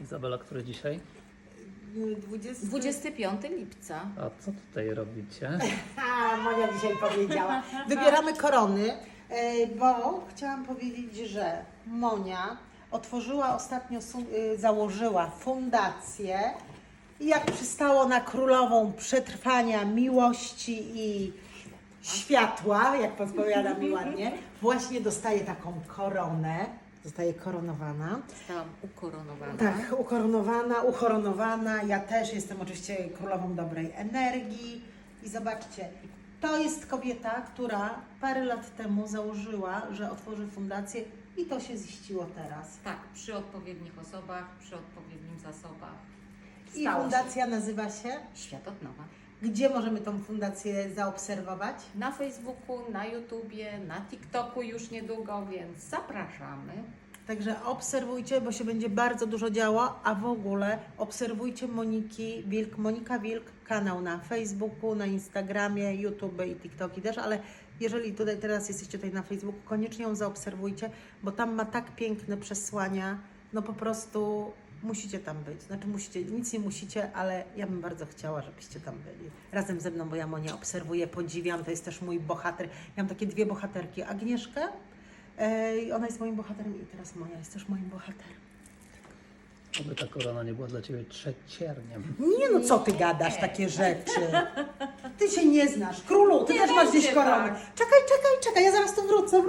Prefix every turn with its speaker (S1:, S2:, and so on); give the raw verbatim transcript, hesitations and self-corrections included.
S1: Izabela, który dzisiaj?
S2: dwudziesty...
S3: dwudziestego piątego lipca.
S1: A co tutaj robicie?
S2: A, Monia dzisiaj powiedziała. Wybieramy korony, e, bo chciałam powiedzieć, że Monia otworzyła ostatnio, su- y, założyła fundację i jak przystało na królową przetrwania, miłości i światła, jak podpowiada mi ładnie, właśnie dostaje taką koronę, zostaje koronowana.
S3: Zostałam ukoronowana.
S2: Tak, ukoronowana, uchoronowana. Ja też jestem oczywiście królową dobrej energii. I zobaczcie, to jest kobieta, która parę lat temu założyła, że otworzy fundację i to się ziściło teraz.
S3: Tak, przy odpowiednich osobach, przy odpowiednim zasobach.
S2: I
S3: Stało
S2: fundacja nazywa się?
S3: się Świat od nowa.
S2: Gdzie możemy tą fundację zaobserwować?
S3: Na Facebooku, na YouTubie, na TikToku już niedługo, więc zapraszamy.
S2: Także obserwujcie, bo się będzie bardzo dużo działo, a w ogóle obserwujcie Moniki Wilk, Monika Wilk, kanał na Facebooku, na Instagramie, YouTube i TikToki też, ale jeżeli tutaj teraz jesteście tutaj na Facebooku, koniecznie ją zaobserwujcie, bo tam ma tak piękne przesłania, no po prostu musicie tam być. Znaczy musicie, nic nie musicie, ale ja bym bardzo chciała, żebyście tam byli. Razem ze mną, bo ja Monię obserwuję, podziwiam, to jest też mój bohater. Ja mam takie dwie bohaterki, Agnieszkę, i ona jest moim bohaterem i teraz Monia jest też moim bohaterem.
S1: Oby ta korona nie była dla Ciebie trzecierniem.
S2: Nie no, co ty gadasz takie rzeczy? Ty się nie znasz. Królu, ty
S3: Nie
S2: też masz gdzieś
S3: będzie
S2: koronę.
S3: tak.
S2: Czekaj, czekaj, czekaj, ja zaraz tu wrócę.